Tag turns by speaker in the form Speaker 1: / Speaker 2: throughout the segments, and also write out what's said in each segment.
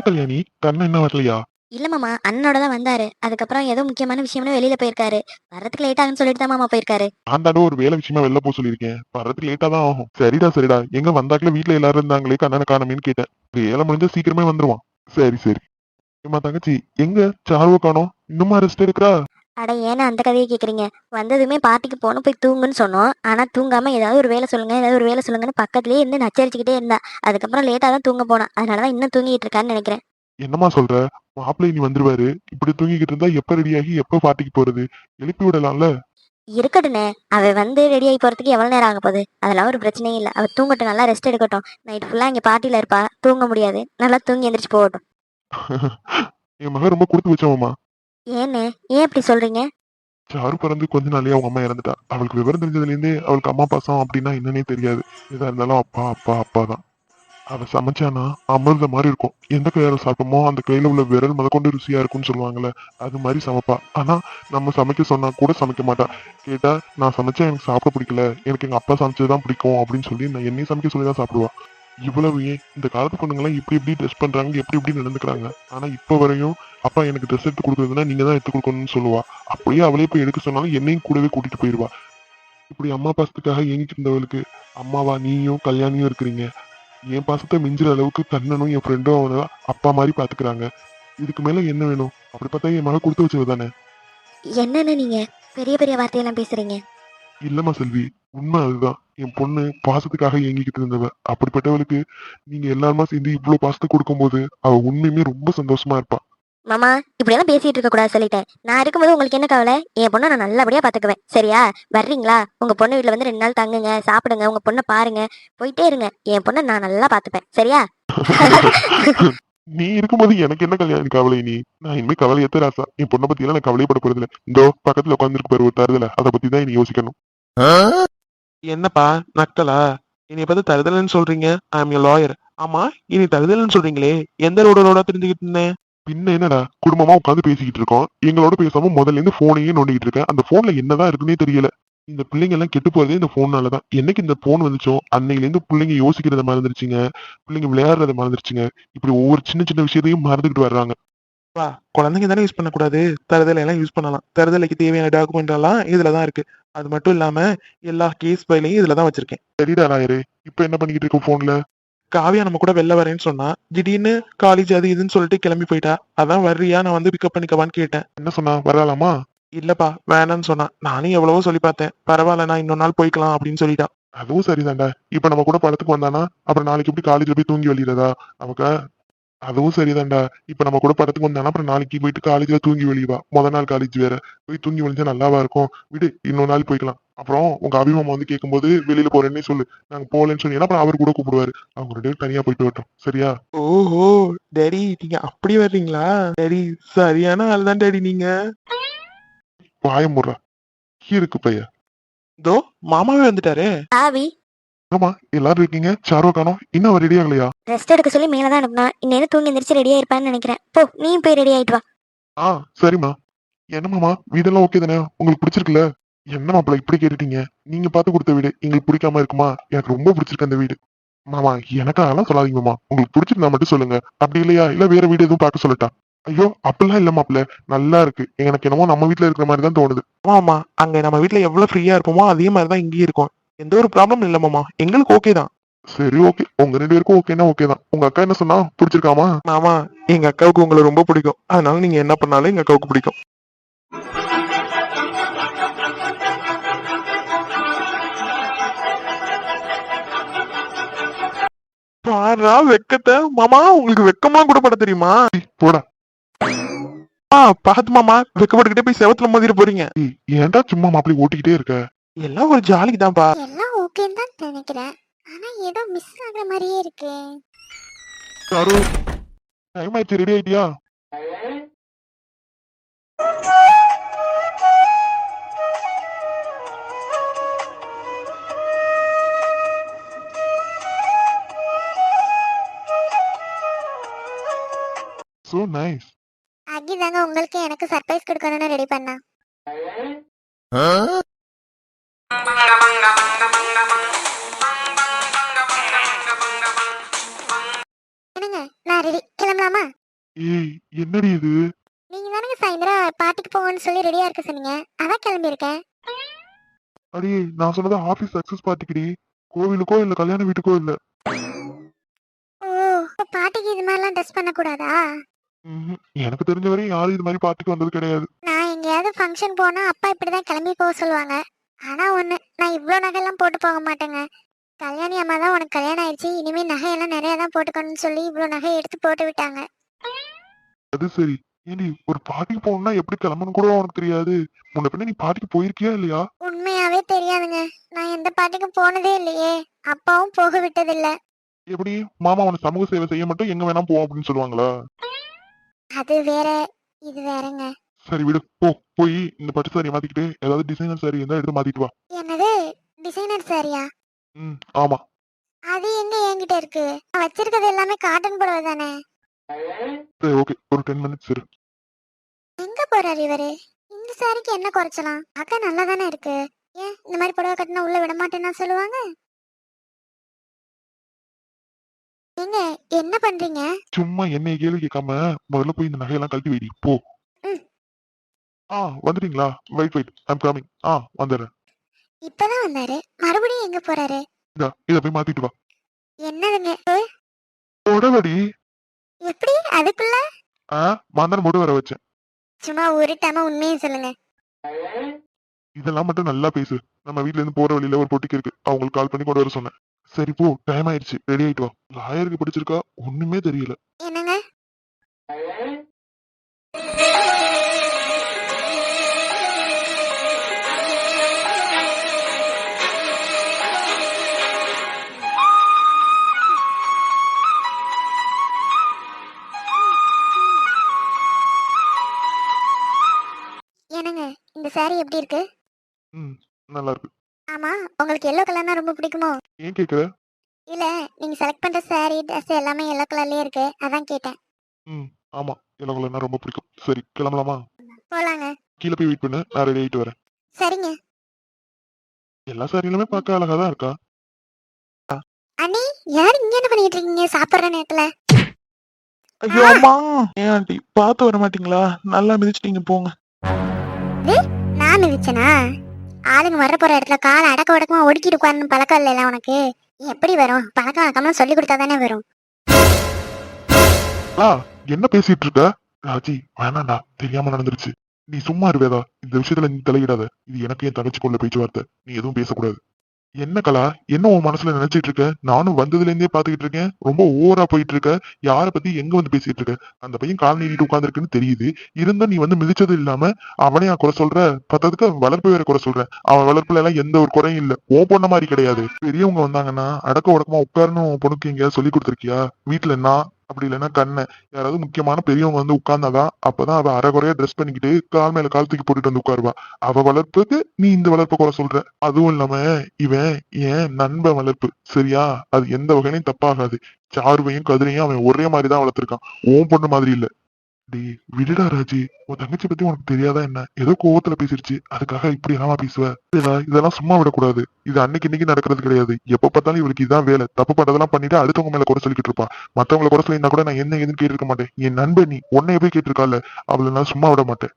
Speaker 1: கல்யாணி, கண்ணன் என்ன வரலையா?
Speaker 2: இல்ல மாமா, அண்ணனோட தான் வந்தாரு. அதுக்கப்புறம் ஏதோ முக்கியமான விஷயம்னு வெளியில போயிருக்காரு. வர்றதுக்கு லேட் ஆகுன்னு சொல்லிட்டு தான் மாமா போயிருக்காரு.
Speaker 1: நான் தாண்டா ஒரு வேலை விஷயமா வெளில போக சொல்லியிருக்கேன். வர்றதுக்கு லேட்டா தான் ஆகும். சரிடா சரிடா. எங்க வந்தாக்குல வீட்ல எல்லாரும் இருந்தாங்களே, கண்ணனை காணோமேன்னு கேட்டேன். வேலை முடிஞ்சா சீக்கிரமே வந்துருவான். சரி சரி. ஏம்மா தங்கச்சி, எங்க சாருவ காணோம்? இன்னுமா ரெஸ்ட் எடுக்கிறா?
Speaker 2: அட ஏன்னா அந்த கதையை கேக்குறீங்க? வந்ததுமே பார்ட்டிக்கு போகணும், போய் தூங்குன்னு சொன்னோம். ஆனா தூங்காம ஏதாவது ஒரு வேலை சொல்லுங்க, ஏதாவது ஒரு வேலை சொல்லுங்கன்னு பக்கத்துலயே இருந்து நச்சரிச்சுக்கிட்டே இருந்தா. அதுக்கப்புறம் லேட்டா தான் தூங்க போனா. அதனாலதான் இன்னும் தூங்கிட்டு இருக்கான்னு நினைக்கிறேன்.
Speaker 1: என்னம்மா சொல்ற? மாப்பிள்ளை இனி வந்துருவாரு. இப்படி தூங்கிக்கிட்டு இருந்தா எப்ப ரெடியாகி எப்ப பார்ட்டிக்கு போறது? எழுப்பி விடலாம்ல?
Speaker 2: இருக்கட்டுண்ணே, அவ வந்து ரெடி ஆகி போறதுக்கு எவ்வளவு நேரம் ஆக போகுது? அதெல்லாம் ஒரு பிரச்சனையும் இல்லை. அவ தூங்கட்டும், நல்லா ரெஸ்ட் எடுக்கட்டும். நைட் ஃபுல்லா இங்க பார்ட்டில இருப்பா, தூங்க முடியாது. நல்லா தூங்கி எந்திரிச்சு போகட்டும்.
Speaker 1: என் மகன் ரொம்ப கொடுத்து வச்சவம்மா.
Speaker 2: ஏண்ணே, ஏன் இப்படி சொல்றீங்க?
Speaker 1: சாரு பிறந்து கொஞ்ச நாளே அவங்க அம்மா இறந்துட்டா. அவளுக்கு விவரம் தெரிஞ்சதுல இருந்தே அவளுக்கு அம்மா பாசம் அப்படின்னா என்னன்னே தெரியாது. எதா இருந்தாலும் அப்பா அப்பா அப்பா தான். அவ சமைச்சானா அமிர்த மாதிரி இருக்கும். எந்த கையால சாப்பிட்டோமோ அந்த கையில உள்ள விரல் முதற்கொண்டு ருசியா இருக்கும்னு சொல்லுவாங்கல்ல. அது மாதிரி சமைப்பா. ஆனா நம்ம சமைக்க சொன்னா கூட சமைக்க மாட்டா. கேட்டா நான் சமைச்சா எனக்கு சாப்பிட பிடிக்கல, எனக்கு எங்க அப்பா சமைச்சதுதான் பிடிக்கும் அப்படின்னு சொல்லி நான் என்னையும் சமைக்க சொல்லி தான் சாப்பிடுவா. இவ்வளவு ஏன் இந்த காலத்து பொண்ணுங்கெல்லாம் இப்படி இப்படி ட்ரெஸ் பண்றாங்க, எப்படி எப்படி நடந்துக்கிறாங்க. ஆனா இப்ப வரையும் அப்பா எனக்கு ட்ரெஸ் எடுத்து கொடுக்குறதுன்னா நீங்க தான் எடுத்து கொடுக்கணும்னு சொல்லுவா. அப்படியே அவளே போய் எடுக்க சொன்னாலும் என்னையும் கூடவே கூட்டிட்டு போயிருவா. இப்படி அம்மா பாசத்துக்காக ஏங்கிட்டு இருந்தவளுக்கு அம்மாவா நீயும் கல்யாணியும் இருக்கிறீங்க. என் பாசத்தை மிஞ்சுற அளவுக்கு கண்ணனும் என் ஃப்ரெண்டும் அவனை அப்பா மாதிரி பாத்துக்கிறாங்க. இதுக்கு மேல என்ன வேணும்? அப்படி பார்த்தா என் மக கொடுத்து வச்சது தானே.
Speaker 2: என்னன்னு நீங்க பெரிய பெரிய வார்த்தையெல்லாம் பேசுறீங்க?
Speaker 1: இல்லம்மா செல்வி, உண்மை அதுதான். என் பொண்ணு பாசத்துக்காக ஏங்கிக்கிட்டு இருந்தவ. அப்படிப்பட்டவளுக்கு நீங்க எல்லாருமா சேர்ந்து இவ்வளவு பாசத்தை கொடுக்கும்போது அவ உண்மையுமே ரொம்ப சந்தோஷமா இருப்பா.
Speaker 2: மாமா, இப்படியெல்லாம் பேசிட்டு இருக்க கூடாது சொல்லிட்டேன். நான் இருக்கும்போது உங்களுக்கு என்ன கவலை? என் பொண்ணை நான் நல்லபடியா பாத்துக்குவேன். சரியா? வர்றீங்களா? உங்க பொண்ணு வீட்டுல வந்து 2 நாள் தங்குங்க, சாப்பிடுங்க, உங்க பொண்ணை பாருங்க, போயிட்டே இருங்க. என் பொண்ணை நான் நல்லா பாத்துப்பேன். சரியா?
Speaker 1: நீ இருக்கும்போது எனக்கு என்ன கல்யாணம் கவலை நீ? நான் இனிமே கவலையத்த ராசா. என் பொண்ணை பத்தி எல்லாம் நான் கவலையப்பட போறது இல்ல. இந்தோ பக்கத்துல உட்காந்துருக்கு பாரு ஒரு தருதல, அதை பத்தி தான் நீ யோசிக்கணும்.
Speaker 3: என்னப்பா நக்கலா? இனி பார்த்து தருதலன்னு சொல்றீங்க? I am a lawyer. ஆமா, இனி தருதலன்னு சொல்றீங்களே, எந்த ரோட தெரிஞ்சுக்கிட்டு இருந்தேன்?
Speaker 1: பின்ன என்னடா, குடும்பமா உட்காந்து பேசிக்கிட்டு இருக்கோம். எங்களோட பேசாம முதல்ல இருந்து போனையே நோண்டிக்கிட்டு இருக்கேன். அந்த போன்ல என்னதான் இருக்குன்னே தெரியல. இந்த பிள்ளைங்க எல்லாம் கெட்டு போறதே இந்த போன்னாலதான். என்னைக்கு இந்த போன் வந்துச்சோ அன்னையில இருந்து பிள்ளைங்க யோசிக்கிறத மறந்துருச்சுங்க. பிள்ளைங்க விளையாடுறத மறந்துருச்சுங்க. இப்படி ஒவ்வொரு சின்ன சின்ன விஷயத்தையும் மறந்துகிட்டு வர்றாங்க.
Speaker 3: பா, குழந்தைங்க தானே யூஸ் பண்ணக்கூடாது. தருதலை எல்லாம் யூஸ் பண்ணலாம். தருதலைக்கு தேவையான டாக்குமெண்ட் எல்லாம் இதுலதான் இருக்கு. அது மட்டும் இல்லாம எல்லா கேஸ் ஃபைலையும் இதுலதான் வச்சிருக்கேன்.
Speaker 1: சரிடா நாயரே, இப்ப என்ன பண்ணிக்கிட்டு இருக்க போன்ல?
Speaker 3: காவியா நம்ம கூட வெளில வரேன்னு சொன்னா, திடீர்னு காலேஜ் அது இதுன்னு சொல்லிட்டு கிளம்பி போயிட்டா. அதான் வர்றியா, நான் வந்து பிக்கப் பண்ணிக்கவான்னு கேட்டேன்.
Speaker 1: என்ன சொன்னா, வரலாமா?
Speaker 3: இல்லப்பா, வேணான்னு சொன்னா. நானும் எவ்வளவோ சொல்லி பார்த்தேன். பரவாயில்ல, நான் இன்னொரு நாள் போய்க்கலாம் அப்படின்னு சொல்லிட்டா.
Speaker 1: அதுவும் சரிதான்டா. இப்ப நம்ம கூட படத்துக்கு வந்தானா அப்புறம் நாளைக்கு எப்படி காலேஜ்ல போய் தூங்கி வெளியிறதா நமக்கு? அதுவும் சரிதான்டா. இப்ப நம்ம கூட படத்துக்கு வந்தானா அப்புறம் நாளைக்கு போயிட்டு காலேஜ்ல தூங்கி வெளியவா? முத நாள் காலேஜ் வேற. போய் தூங்கி வெளிஞ்சா நல்லாவா இருக்கும்? விடு, இன்னொரு நாள் போய்க்கலாம். அப்புறம் உங்க அபிமாமா வந்து கேட்கும்போது வெளியில போறேன்னே சொல்லு. நாங்க போகலன்னு சொன்னீங்கன்னா அப்புறம் அவர் கூட கூப்பிடுவாரு. அவங்க 2 பேரும் தனியா போயிட்டு வரட்டும். சரியா?
Speaker 3: ஓஹோ, டேடி நீங்க அப்படி வர்றீங்களா? டேடி சரியான ஆள் தான் டேடி நீங்க.
Speaker 1: வாய முடுறா. இருக்கு பைய.
Speaker 3: இதோ மாமாவே வந்துட்டாரு.
Speaker 2: ஆவி,
Speaker 1: ஆமா, எல்லாரும் இருக்கீங்க. சாரோ காணோம். இன்னும் அவர் ரெடி ஆகலையா?
Speaker 2: ரெஸ்ட் எடுக்க சொல்லி மேலதான் அனுப்புனா. இன்னும் தூங்கி எந்திரிச்சு ரெடியா இருப்பான்னு நினைக்கிறேன். போ, நீ போய் ரெடி ஆயிட்டு வா.
Speaker 1: ஆ, சரிம்மா. என்னமாமா, வீடெல்லாம் ஓகே தானே? உங்களுக்கு பிடிச்சிருக்குல்ல? என்ன மாப்பிள்ள இப்படி கேட்டுட்டீங்க? நீங்க பார்த்து கொடுத்த வீடு எங்களுக்கு பிடிக்காம இருக்குமா? எனக்கு ரொம்ப பிடிச்சிருக்கு அந்த வீடு. மாமா, எனக்கு அதெல்லாம் சொல்லாதீங்க மாமா. உங்களுக்கு பிடிச்சிருந்தா மட்டும் சொல்லுங்க. அப்படி இல்லையா, இல்ல வேற வீடு எதுவும் பார்க்க சொல்லட்டா? ஐயோ, அப்படிலாம் இல்ல மாப்பிள்ள. நல்லா இருக்கு. எனக்கு என்னமோ நம்ம வீட்ல இருக்கிற மாதிரி தான் தோணுது.
Speaker 3: ஆமா, அங்க நம்ம வீட்ல எவ்வளவு ஃப்ரீயா இருப்போமோ அதே மாதிரிதான் இங்கேயும் இருக்கும். எந்த ஒரு ப்ராப்ளம் இல்ல மாமா, எங்களுக்கு ஓகே தான்.
Speaker 1: சரி, ஓகே. உங்க 2 பேருக்கும் ஓகேன்னா ஓகே தான். உங்க அக்கா என்ன சொன்னா, பிடிச்சிருக்காமா?
Speaker 3: மாமா, எங்க அக்காவுக்கு உங்களை ரொம்ப பிடிக்கும். அதனால நீங்க என்ன பண்ணாலும் எங்க அக்காவுக்கு பிடிக்கும். பாரா வெக்கத்தை மாமா, உங்களுக்கு வெக்கமா கூட பட தெரியுமா?
Speaker 1: போடா.
Speaker 3: பாத்து மாமா, வெக்கப்பட்டுக்கிட்டே போய் செவத்துல மோதிர போறீங்க.
Speaker 1: ஏன்டா சும்மா மாப்பிள்ளை ஓட்டிக்கிட்டே இருக்க?
Speaker 3: எல்லாம் ஒரு ஜாலிக்கு தான்ப்பா.
Speaker 2: எல்லாம் ஓகேன்னு தான் நினைக்கிறேன். ஆனா ஏதோ மிஸ் ஆகுற மாதிரியே இருக்கு.
Speaker 1: சாரு, டைம் ஆயிடுச்சு. ரெடி ஆயிட்டியா? So nice.
Speaker 2: அகிதாங்க உங்களுக்கு எனக்கு சர்ப்ரைஸ் கொடுக்கணும்னு ரெடி பண்ணா. என்னங்க, நான் ரெடி, கிளம்பலாமா?
Speaker 1: ஏய், என்னடி இது?
Speaker 2: நீங்க தானங்க சாயந்தரம் பார்ட்டிக்கு போங்கன்னு சொல்லி ரெடியா இருக்க சொன்னீங்க, அதான் கிளம்பி இருக்கேன்.
Speaker 1: அடி, நான் சொன்னது ஆபீஸ் சக்சஸ் பார்ட்டிக்குடி. கோவிலுக்கோ இல்ல கல்யாண வீட்டுக்கோ இல்ல.
Speaker 2: ஓ, பார்ட்டிக்கு இது மாதிரிலாம் ட்ரெஸ் பண்ண கூடாதா?
Speaker 1: எனக்கு தெரிஞ்ச வரையும் யாரும் இது மாதிரி பார்ட்டிக்கு வந்தது கிடையாது.
Speaker 2: நான் எங்கேயாவது ஃபங்க்ஷன் போனா அப்பா இப்படிதான் கிளம்பி போக சொல்லுவாங்க. ஆனா ஒண்ணு, நான் இவ்ளோ நகையெல்லாம் போட்டு போக மாட்டேங்க. கல்யாணி அம்மா தான் உனக்கு கல்யாணம் ஆயிடுச்சு, இனிமே நகையெல்லாம் நிறைய தான் போட்டுக்கணும்னு சொல்லி இவ்ளோ நகை எடுத்து போட்டு விட்டாங்க.
Speaker 1: அது சரி. ஏண்டி, ஒரு பார்ட்டிக்கு போகணும்னா எப்படி கிளம்பணும் கூட உனக்கு தெரியாது? முன்ன பின்ன நீ பார்ட்டிக்கு போயிருக்கியா இல்லையா?
Speaker 2: உண்மையாவே தெரியாதுங்க. நான் எந்த பார்ட்டிக்கும் போனதே இல்லையே, அப்பாவும் போக விட்டதில்ல.
Speaker 1: எப்படி? மாமா உன சமூக சேவை செய்ய மட்டும் எங்க வேணா போ அப்படின்னு சொல்லுவாங்களா?
Speaker 2: அது வேற, இது வேறங்க.
Speaker 1: சரி விடு, போ. போய் இந்த பட்டு சாரி மாத்திக்கிட்டு ஏதாவது டிசைனர் சாரி இருந்தா எடுத்து மாத்திட்டு வா.
Speaker 2: என்னது, டிசைனர் சாரியா?
Speaker 1: ஆமா.
Speaker 2: அது எங்க என்கிட்ட இருக்கு? நான் வச்சிருக்கிறது எல்லாமே காட்டன் புடவை தானே.
Speaker 1: சரி, ஓகே, ஒரு 10 மினிட்ஸ் இரு.
Speaker 2: எங்க போறாரு இவரு? இந்த சாரிக்கு என்ன குறைச்சலாம்? அக்கா நல்லா தானே இருக்கு. ஏன் இந்த மாதிரி புடவை கட்டினா உள்ள விட மாட்டேன்னா சொல்லுவாங்க? ஏங்க, என்ன பண்றீங்க?
Speaker 1: சும்மா என்னைய கேள்வி கேட்காம முதல்ல போய் இந்த நகையெல்லாம் கழட்டி வைடி, போ.
Speaker 2: ம்.
Speaker 1: வந்துட்டீங்களா? Wait, I'm coming. வந்துடுறேன்.
Speaker 2: இப்பதான் வந்தாரு, மறுபடியும் எங்க போறாரு?
Speaker 1: இத போய் மாத்திட்டு வா.
Speaker 2: என்னதுங்க?
Speaker 1: உடவடி.
Speaker 2: எப்படி அதுக்குள்ள?
Speaker 1: மாந்தன மட்டும் வர வச்சேன்.
Speaker 2: சும்மா உருட்டாம உண்மையை சொல்லுங்க.
Speaker 1: இதெல்லாம் மட்டும் நல்லா பேசு. நம்ம வீட்ல இருந்து போற வழியில ஒரு பொட்டிக்கு இருக்கு, அவங்களுக்கு கால் பண்ணி கொண்டு வர சொன்னேன். சரி போ, டைம் ஆயிடுச்சு, ரெடி ஆயிட்டு வா. லாயருக்கு படிச்சிருக்கா, ஒண்ணுமே தெரியல.
Speaker 2: என்னங்க? என்னங்க, இந்த சாரி எப்படி இருக்கு?
Speaker 1: நல்லா இருக்கு.
Speaker 2: ஆமா, உங்களுக்கு எல்லோ கலர்னா ரொம்ப பிடிக்குமோ?
Speaker 1: ஏன் கேக்குற?
Speaker 2: இல்ல, நீங்க செலக்ட் பண்ற சாரி ட்ரெஸ் எல்லாமே எல்லோ கலர்லயே இருக்கு, அதான் கேட்டேன்.
Speaker 1: ஆமா, இளவலன்னா ரொம்ப பிடிக்கும். சரி, கிளம்பலாமா?
Speaker 2: போலாங்க.
Speaker 1: கீழே போய் வெயிட் பண்ணு, நான் ரெடி ஆயிட்டு வரேன்.
Speaker 2: சரிங்க.
Speaker 1: எல்லா சாரியிலுமே பார்க்க அழகா தான் இருக்கா.
Speaker 2: அண்ணி, யார் இங்க என்ன பண்ணிட்டு இருக்கீங்க சாப்பிடுற நேரத்துல?
Speaker 3: ஐயோ அம்மா, ஏன் ஆண்டி பார்த்து வர மாட்டீங்களா? நல்லா மிதிச்சிட்டீங்க போங்க.
Speaker 2: நான் மிதிச்சனா? ஆளுங்க வர போற இடத்துல காலை அடக்க உடக்கமா ஒடுக்கிட்டு உட்காரணும் பழக்கம் இல்லைல்ல உனக்கு? எப்படி வரும்? பழக்கம் வழக்கம்லாம் சொல்லி கொடுத்தா தானே வரும்.
Speaker 1: என்ன பேசிட்டு இருக்க? ராஜி, வேணாண்டா, தெரியாம நடந்துருச்சு. நீ சும்மா இருவேதா, இந்த விஷயத்துல நீ தலையிடாத. இது எனக்கு என் தங்கச்சிக்குள்ள பேச்சுவார்த்தை, நீ எதுவும் பேசக்கூடாது. என்ன கலா, என்ன உன் மனசுல நினைச்சிட்டு இருக்க? நானும் வந்ததுல இருந்தே பாத்துக்கிட்டு இருக்கேன், ரொம்ப ஓவரா போயிட்டு இருக்க. யார பத்தி எங்க வந்து பேசிட்டு இருக்க? அந்த பையன் கால் நீட்டிட்டு உட்கார்ந்துருக்குன்னு தெரியுது, இருந்தும் நீ வந்து மிதிச்சது இல்லாம அவனையா குறை சொல்ற? பத்ததுக்கு வளர்ப்பு வேற குறை சொல்ற. அவன் வளர்ப்புல எல்லாம் எந்த ஒரு குறையும் இல்ல, ஓ பொண்ண மாதிரி கிடையாது. பெரியவங்க வந்தாங்கன்னா அடக்க உடக்கமா உட்காருன்னு உன் பொண்ணுக்கு எங்கேயாவது சொல்லி கொடுத்துருக்கியா? வீட்டுல நான் அப்படி இல்லைன்னா கண்ண யாராவது முக்கியமான பெரியவங்க வந்து உட்கார்ந்தாதான், அப்பதான் அவ அரைகுறையா ட்ரெஸ் பண்ணிக்கிட்டு கால் மேல கால் தூக்கி போட்டுட்டு வந்து உட்காருவா. அவ வளர்ப்புக்கு நீ இந்த வளர்ப்பை குறை சொல்ற. அதுவும் இல்லாம இவன் ஏன் நண்பன் வளர்ப்பு, சரியா? அது எந்த வகையிலும் தப்பாகாது. சாருவையும் கதிரையும் அவன் ஒரே மாதிரிதான் வளர்த்திருக்கான், ஓன் பொண்ணு மாதிரி இல்ல. டே, விடுடா ராஜி, உன் தங்கச்சி பத்தி உனக்கு தெரியாதா என்ன? ஏதோ கோவத்துல பேசிருச்சு, அதுக்காக இப்படி எல்லாமா பேசுவ? இதெல்லாம் சும்மா விடக்கூடாது. இது அன்னைக்கு இன்னைக்கு நடக்கிறது கிடையாது. எப்ப பார்த்தாலும் இவளுக்கு இதான் வேலை. தப்பு பண்றதெல்லாம் பண்ணிட்டு அடுத்தவங்க மேல குறை சொல்லிக்கிட்டு இருப்பா. மத்தவங்களை குறை சொல்லியிருந்தா கூட நான் என்ன ஏதுன்னு கேட்டிருக்க மாட்டேன். என் நண்பன் நீ, உன்னை எப்படி கேட்டிருக்கால, அவளை நான் சும்மா விட மாட்டேன்.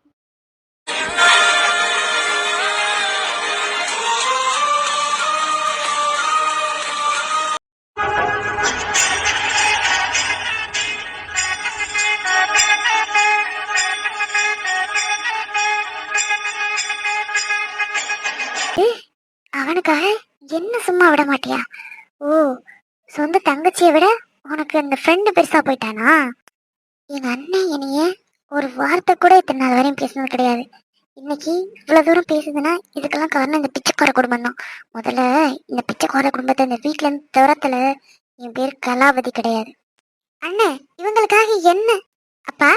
Speaker 2: அவனுக்காக என்ன சும்மா விட மாட்டியா? ஓ, சொந்த தங்கச்சியை விட உனக்கு அந்த ஃப்ரெண்டு பெருசா போயிட்டானா? எங்க அண்ணன் என்னைய ஒரு வார்த்தை கூட இத்தனை நாள் வரையும் பேசினது கிடையாது. இன்னைக்கு இவ்வளவு தூரம் பேசுதுன்னா இதுக்கெல்லாம் காரணம் இந்த பிச்சைக்கார குடும்பம் தான். முதல்ல இந்த பிச்சைக்கார குடும்பத்தை இந்த வீட்டுல இருந்து துரத்துல என் பேர் கலாவதி கிடையாது. அண்ணன், இவங்களுக்காக என்ன? அப்பா,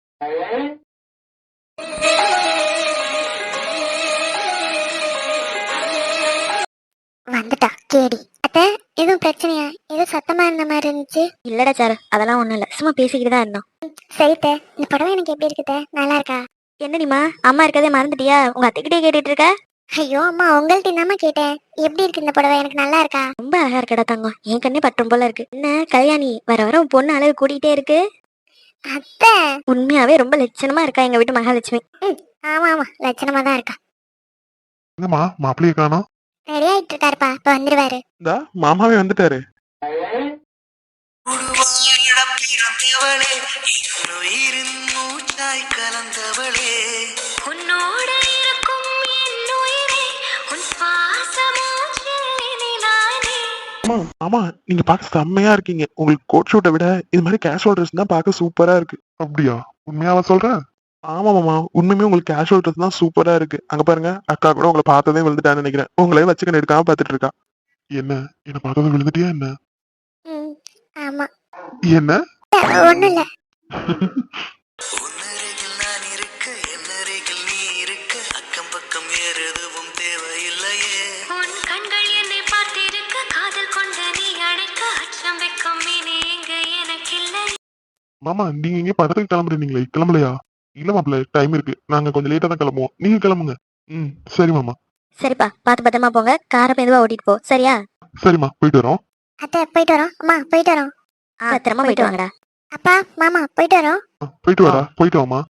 Speaker 2: வந்துட்டா கேடி. அத்த, எதுவும் பிரச்சனையா? ஏதோ சத்தமா இருந்த மாதிரி இருந்துச்சு. இல்லடா சாரு, அதெல்லாம் ஒண்ணும் இல்ல, சும்மா பேசிக்கிட்டு தான் இருந்தோம். சரித்த, இந்த படம் எனக்கு எப்படி இருக்குத? நல்லா இருக்கா? என்னடிமா, அம்மா இருக்கதே மறந்துட்டியா? உங்க அத்தைக்கிட்டே கேட்டுட்டு இருக்க? ஐயோ அம்மா, உங்கள்ட்ட என்னமா கேட்டேன். எப்படி இருக்கு இந்த புடவை? எனக்கு நல்லா இருக்கா? ரொம்ப அழகா இருக்கடா தங்கம், என் கண்ணே பட்டும் போல இருக்கு. என்ன கல்யாணி, வர வர உன் பொண்ணு அழகு கூட்டிகிட்டே இருக்கு. அத்தை உண்மையாவே ரொம்ப லட்சணமா இருக்கா எங்க வீட்டு மகாலட்சுமி. ஆமா ஆமா லட்சணமா தான் இருக்கா.
Speaker 1: எங்கம்மா மாப்பிள்ளைய காணோம்?
Speaker 2: ரெடி ஆயிட்டு இருக்காருப்பா, இப்ப வந்துருவாரு.
Speaker 3: இந்தா மாமாவே வந்துட்டாரு.
Speaker 4: பிறந்தவளே உயிரின் மூச்சாய் கலந்தவளே உன்னோட இருக்கும் என் உயிரே உன் பாசமூச்சிலே.
Speaker 3: ஆமா ஆமா, நீங்க பார்க்க செம்மையா இருக்கீங்க. உங்களுக்கு கோட் ஷூட்டை விட இது மாதிரி கேஷுவல் ட்ரெஸ் தான் பார்க்க சூப்பரா இருக்கு.
Speaker 1: அப்படியா? உண்மையாவா சொல்ற?
Speaker 3: ஆமா மாமா, உண்மையுமே உங்களுக்கு கேஷுவல் ட்ரெஸ் தான் சூப்பரா இருக்கு. அங்க பாருங்க, அக்கா கூட உங்களை பார்த்ததே விழுந்துட்டான்னு நினைக்கிறேன். உங்களே வச்சுக்க எடுக்காம பார்த்துட்டு இருக்கா.
Speaker 1: என்ன பார்த்தது விழுந்துட்டியா என்ன?
Speaker 2: ஆமா
Speaker 1: என்ன?
Speaker 2: ஒண்ணும் இல்ல.
Speaker 4: உன்னருகில் நான் இருக்க என்னருகில் நீ இருக்க அக்கம் பக்கம் வேறு எதுவும் தேவையில்லையே உன் கண்கள் என்னை பார்த்திருக்க காதல் கொண்ட நீ அழைக்க அச்சம் வெக்கம் இனி இங்கு எனக்கில்லை.
Speaker 1: மாமா நீங்க இங்க படத்துக்கு கிளம்புறீங்களே, கிளம்பலையா? இல்ல மாப்பிள்ள, டைம் இருக்கு, நாங்க கொஞ்சம் லேட்டா தான் கிளம்புவோம், நீங்க கிளம்புங்க. சரி மாமா.
Speaker 2: சரிப்பா, பார்த்து பத்திரமா போங்க, காரை மெதுவா ஓட்டிட்டு போ, சரியா?
Speaker 1: சரிம்மா, போயிட்டு வரோம்.
Speaker 2: அத்தை போயிட்டு வரோம். அம்மா போயிட்டு வரோம். பத்திரமா போயிட்டு வாங்கடா. அப்பா மாமா போயிட்டு வரோம்.
Speaker 1: போயிட்டு வாடா, போயிட்டு வாமா.